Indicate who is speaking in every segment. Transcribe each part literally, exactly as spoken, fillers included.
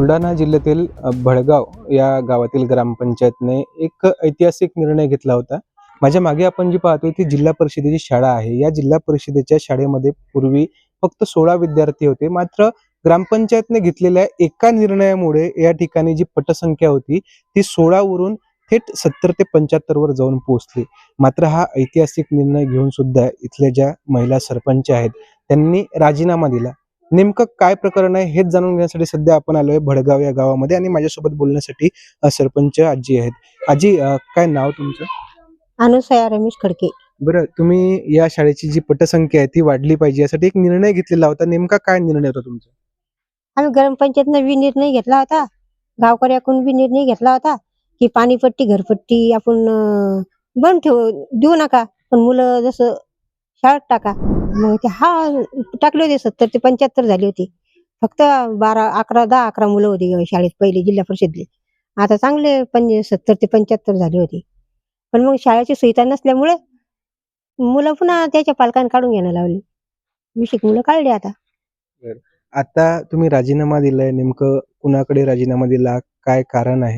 Speaker 1: बुलढाणा जिल्ह्यातील अ, भडगाव या गावातील ग्रामपंचायतने एक ऐतिहासिक निर्णय घेतला होता. माझ्या मागे आपण जी पाहतोय ती जिल्हा परिषदेची शाळा आहे. या जिल्हा परिषदेच्या शाळेमध्ये पूर्वी फक्त सोळा विद्यार्थी होते. मात्र ग्रामपंचायतने घेतलेल्या एका निर्णयामुळे या ठिकाणी जी पटसंख्या होती ती सोळा वरून थेट सत्तर ते पंच्याहत्तर वर जाऊन पोहोचली. मात्र हा ऐतिहासिक निर्णय घेऊन सुद्धा इथल्या ज्या महिला सरपंच आहेत त्यांनी राजीनामा दिला. नेमकं काय प्रकरण आहे हेच जाणून घेण्यासाठी सध्या आपण आलोय भडगाव या गावामध्ये आणि माझ्यासोबत बोलण्यासाठी अ, सरपंच आजी आहेत. आजी, अ, काय नाव तुमचं?
Speaker 2: अनुसया रमेश खडके.
Speaker 1: बरं, तुम्ही या शाळेची जी पटसंख्या आहे ती वाढली पाहिजे यासाठी एक निर्णय घेतलेला होता. नेमका काय निर्णय होता तुमचा?
Speaker 2: आम्ही ग्रामपंचायतनं बी निर्णय घेतला होता, गावकऱ्याकडून बी निर्णय घेतला होता की पाणीपट्टी घरपट्टी आपण अं, बंद ठेवू देऊ नका, पण मुलं जसं शाळेत टाका. मग ते हा टाकले होते, सत्तर ते पंच्याहत्तर झाली होती. फक्त बारा अकरा दहा अकरा मुलं होती शाळेत पहिले जिल्हा परिषदले. आता चांगले पंच सत्तर ते पंच्याहत्तर झाले होते. पण मग शाळेची सुविधा नसल्यामुळे मुलं पुन्हा त्याच्या पालकांनी काढून घ्यायला लावली. वीस एक मुलं काढली आता.
Speaker 1: बरं. आता तुम्ही राजीनामा दिलाय, नेमकं कुणाकडे राजीनामा दिला? काय कारण आहे?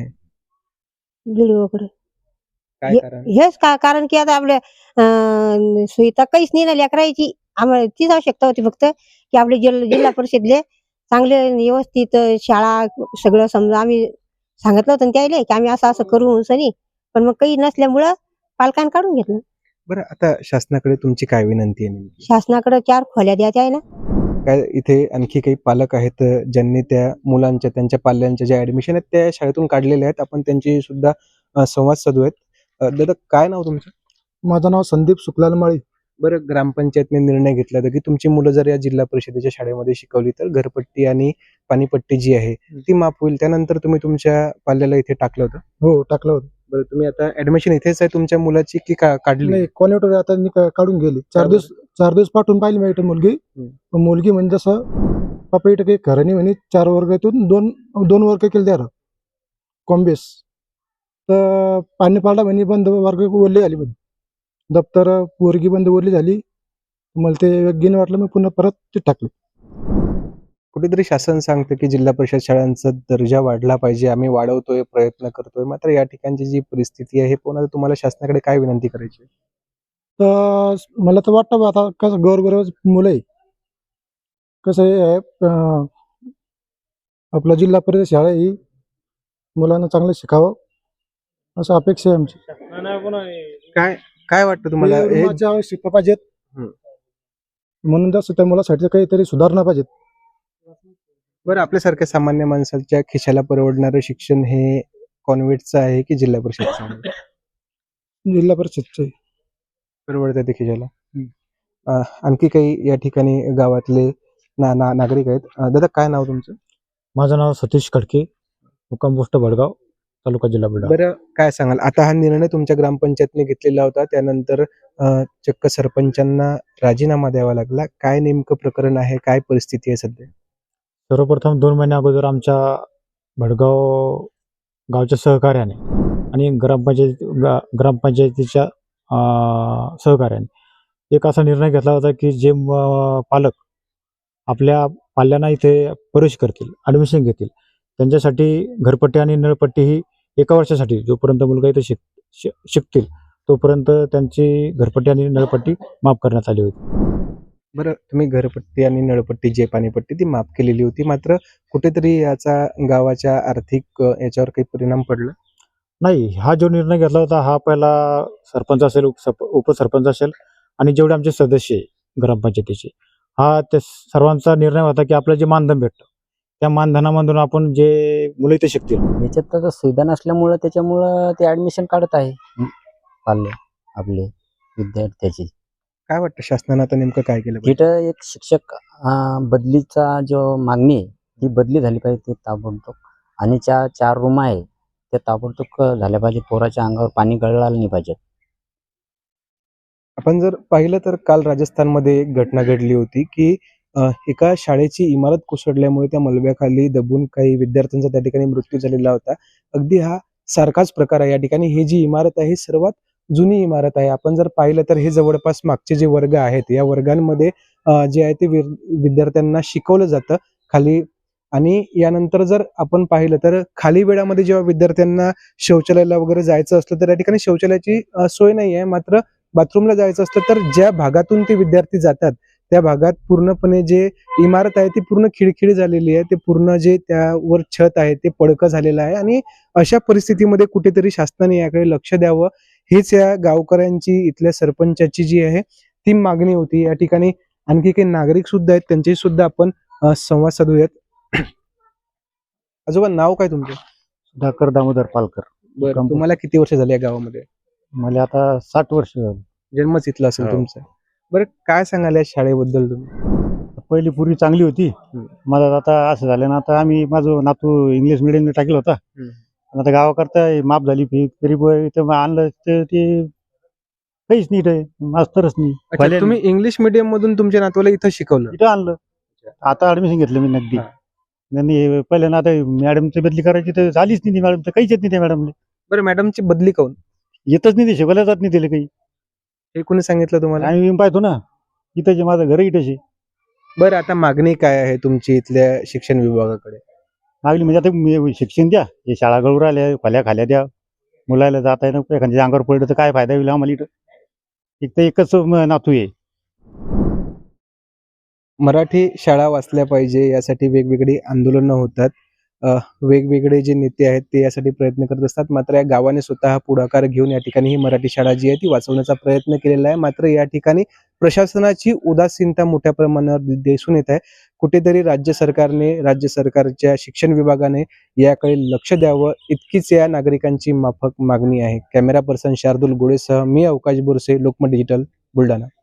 Speaker 2: व्हिडिओकडे
Speaker 1: काय
Speaker 2: हे
Speaker 1: कारण?
Speaker 2: हेच का कारण की आता आपल्या अं, सुविधा काहीच नाही ना लेकरायची. आम्हाला तीच आवश्यकता होती फक्त की आपले जिल्हा जिल्हा परिषदले चांगले व्यवस्थित अं, शाळा सगळं समजा आम्ही सांगितलं होतं ना त्याले की आम्ही असं असं करू सनी, पण मग काही नसल्यामुळं पालकांनी काढून घेतलं.
Speaker 1: बरं, आता शासनाकडे तुमची काय विनंती आहे नेमकी?
Speaker 2: शासनाकडे चार खोल्या द्यायच्या आहे ना.
Speaker 1: काय इथे आणखी काही पालक आहेत अ, ज्यांनी त्या मुलांच्या त्यांच्या पाल्यांच्या ज्या ऍडमिशन आहेत त्या शाळेतून काढलेल्या आहेत. आपण त्यांची सुद्धा अ, संवाद साधू आहेत. अ, दादा, काय नाव तुमचं?
Speaker 3: माझं नाव संदीप सुखलाल माळी.
Speaker 1: बरं, ग्रामपंचायतने निर्णय घेतला होता की तुमची मुलं जर या जिल्हा परिषदेच्या शाळेमध्ये शिकवली तर घरपट्टी आणि पाणीपट्टी जी आहे ती माफ होईल. त्यानंतर तुम्ही तुमच्या पाल्याला इथे टाकलं होतं.
Speaker 3: हो, टाकलं होतं.
Speaker 1: बरं, तुम्ही आता ऍडमिशन इथेच आहे तुमच्या मुलाची की का काढली?
Speaker 3: नाही, कॉन्व्हर्टर आता मी का- काढून गेली. चार
Speaker 1: का
Speaker 3: दिवस चार दिवस पाठवून पाहिली माझी मुलगी.
Speaker 1: हम्म.
Speaker 3: पण मुलगी म्हणजे जसं पप्पा इथं काही खरं नाही म्हणे, चार वर्गातून दोन दोन वर्ग केले द्या कॉम्बेस. तर पाणी पाडला म्हणे, बंद वर्ग ओरली झाली म्हणे. दप्तर पोरगी बंद ओरली झाली. मला ते योग्य नाही वाटलं, मी पुन्हा परत ते टाकलं.
Speaker 1: कुठेतरी शासन सांगतं की जिल्हा परिषद शाळांचा दर्जा वाढला पाहिजे, आम्ही वाढवतोय, प्रयत्न करतोय. मात्र या ठिकाणची जी परिस्थिती आहे, हे पुन्हा तुम्हाला शासनाकडे काय विनंती करायची आहे?
Speaker 3: तर मला तर वाटतं बा आता कसं गोरगरीब मुलं आहे. कसं आहे अं, आपला जिल्हा परिषद शाळा ही मुलांना चांगलं शिकावं असं अपेक्षा आहे आमची.
Speaker 1: काय काय वाटतं तुम्हाला
Speaker 3: हे
Speaker 1: हे?
Speaker 3: माझ्या आवश्यकता पाहिजेत.
Speaker 1: हम्म.
Speaker 3: म्हणून जास्त त्या मुलासाठी काहीतरी सुधारणा पाहिजेत.
Speaker 1: बरं, आपल्यासारख्या सामान्य माणसाच्या खिशाला परवडणारं शिक्षण हे कॉन्व्हेंटचं आहे की जिल्हा परिषदचं आहे?
Speaker 3: जिल्हा परिषदचे.
Speaker 1: परवडतं ते खिशाला. अ, आणखी काही या ठिकाणी गावातले ना, ना नागरिक आहेत. अ, दादा, काय नाव तुमचं?
Speaker 3: माझं नाव सतीश खडके, मुक्काम पोस्ट भडगाव, तालुका जिल्हा बुलढाणा.
Speaker 1: बरं, काय सांगाल? आता हा निर्णय तुमच्या ग्रामपंचायतने घेतलेला होता, त्यानंतर अ, चक्क सरपंचांना राजीनामा द्यावा लागला. काय नेमकं प्रकरण आहे? काय परिस्थिती आहे सध्या?
Speaker 3: सर्वप्रथम दोन महिन्या अगोदर आमच्या भडगाव गावच्या सहकार्याने आणि ग्रामपंचायत गा- ग्रामपंचायतीच्या अं, सहकार्याने एक असा निर्णय घेतला होता की जे म- पालक आपल्या पाल्यांना इथे प्रवेश करतील, ॲडमिशन घेतील, त्यांच्यासाठी घरपट्टी आणि नळपट्टी ही एका वर्षासाठी जोपर्यंत मुलगा इथे शिक शि- शिकतील तोपर्यंत त्यांची घरपट्टी आणि नळपट्टी माफ करण्यात आली होती.
Speaker 1: बरं, तुम्ही घरपट्टी आणि नळपट्टी जी आहे, पाणीपट्टी ती माफ केलेली होती. मात्र कुठेतरी याचा गावाच्या आर्थिक अ, याच्यावर काही परिणाम पडला?
Speaker 3: नाही, हा जो निर्णय घेतला होता हा पहिला सरपंच असेल, उपसप उपसरपंच असेल आणि जेवढे आमचे सदस्य आहे ग्रामपंचायतीचे, हा त्या सर्वांचा निर्णय होता की आपलं जे मानधन भेटतं त्या मानधनामधून आपण जे मुलं इथे शिकतील.
Speaker 4: याच्यात तर सुविधा नसल्यामुळं त्याच्यामुळं ते ॲडमिशन काढत आहे पाल्य आपले विद्यार्थ्याची.
Speaker 1: काय वाटतं शासनानं आता नेमकं काय केलं पाहिजे?
Speaker 4: तिथं एक शिक्षक अं, बदलीचा जो मागणी आहे ती बदली झाली पाहिजे ते ताबडतोब. आणि ज्या चार रूम आहे त्या ताबडतोब झाल्या पाहिजे. पोराच्या अंगावर पाणी गळालं नाही पाहिजे.
Speaker 1: आपण जर पाहिलं तर काल राजस्थानमध्ये एक घटना घडली होती की अ, एका शाळेची इमारत कोसळल्यामुळे त्या मलब्याखाली दबून काही विद्यार्थ्यांचा त्या ठिकाणी मृत्यू झालेला होता. अगदी हा सारखाच प्रकार आहे या ठिकाणी. ही जी इमारत आहे ही सर्वात जुनी इमारत आहे. आपण जर पाहिलं तर हे जवळपास मागचे जे वर्ग आहेत या वर्गांमध्ये अ, जे आहे ते विर- विद्यार्थ्यांना शिकवलं जातं. खाली आणि यानंतर जर आपण पाहिलं तर खाली वेळामध्ये जेव्हा विद्यार्थ्यांना शौचालयाला वगैरे जायचं असलं तर या ठिकाणी शौचालयाची अ, सोय नाही आहे. मात्र बाथरूमला जायचं असलं तर ज्या भागातून ते विद्यार्थी जातात त्या भागात पूर्णपणे जे इमारत आहे ती पूर्ण खिळखिळी झालेली आहे. ते पूर्ण जे त्यावर छत आहे ते पडकं झालेलं आहे आणि अशा परिस्थितीमध्ये कुठेतरी शासनाने याकडे लक्ष द्यावं हीच या गावकऱ्यांची, इथल्या सरपंचाची जी आहे ती मागणी होती. या ठिकाणी आणखी काही नागरिक सुद्धा आहेत, त्यांच्याशी सुद्धा आपण अ, संवाद साधूयात. आजोबा, नाव काय तुमचं?
Speaker 3: सुधाकर दामोदर पालकर.
Speaker 1: बरं,
Speaker 3: कंपनी.
Speaker 1: तुम्हाला किती वर्ष झाली या गावामध्ये?
Speaker 3: मला आता साठ वर्ष झाली.
Speaker 1: जन्मच इथला असेल
Speaker 3: हो.
Speaker 1: तुमचा. बरं, काय सांगाल या शाळेबद्दल तुम्ही?
Speaker 3: पहिली पूर्वी चांगली होती.
Speaker 1: हम्म.
Speaker 3: मला आता असं झालं ना, आता आम्ही माझं नातू इंग्लिश मिडियमला टाकलं होता.
Speaker 1: हम्म.
Speaker 3: आणि आता गावाकरता माफ झाली फी तरी ब- इथं आणलं तर ते काहीच नीट आहे, मास्तरच नाही.
Speaker 1: अच्छा,
Speaker 3: भले
Speaker 1: तुम्ही इंग्लिश मीडियम मधून तुमच्या नातवाला इथं शिकवलं?
Speaker 3: इथं आणलं. आता ऍडमिशन घेतलं मी नगदी.
Speaker 1: हा.
Speaker 3: आणि पहिल्या ना आता मॅडमची बदली करायची तर झालीच नाही ती मॅडम, तर काहीच येत नाही त्या मॅडमला.
Speaker 1: बरं, मॅडमची बदली काऊन?
Speaker 3: येतच नाही, ते शिकवल्या जात नाही त्याला काही.
Speaker 1: हे कोणी सांगितलं तुम्हाला?
Speaker 3: आणि मी पाहतो ना इथं जे माझं घर इथंच आहे.
Speaker 1: बरं, आता मागणी काय आहे तुमची इथल्या शिक्षण विभागाकडे?
Speaker 3: मागली म्हणजे आता मी शिक्षण द्या, हे शाळा गळू राहिल्या, खोल्या खाल्या द्या, मुलाला जाता येणं एखाद्या अंगावर पडलं तर काय फायदा होईल आम्हाला इथं. एक तर एकच म- नातू आहे.
Speaker 1: मराठी शाळा वाचल्या पाहिजे यासाठी वेगवेगळी आंदोलनं होतात. अ, वेगवेगळे जे नेते आहेत ते यासाठी प्रयत्न करत असतात. मात्र या गावाने स्वतः पुढाकार घेऊन या ठिकाणी ही मराठी शाळा जी आहे ती वाचवण्याचा प्रयत्न केलेला आहे. मात्र या ठिकाणी प्रशासनाची उदासीनता मोठ्या प्रमाणावर दि- दिसून येत आहे. कुठेतरी राज्य सरकारने, राज्य सरकारच्या शिक्षण विभागाने याकडे लक्ष द्यावं, इतकीच या नागरिकांची माफक मागणी आहे. कॅमेरा पर्सन शार्दुल गोळेसह मी अवकाश बोरसे, लोकमत डिजिटल, बुलढाणा.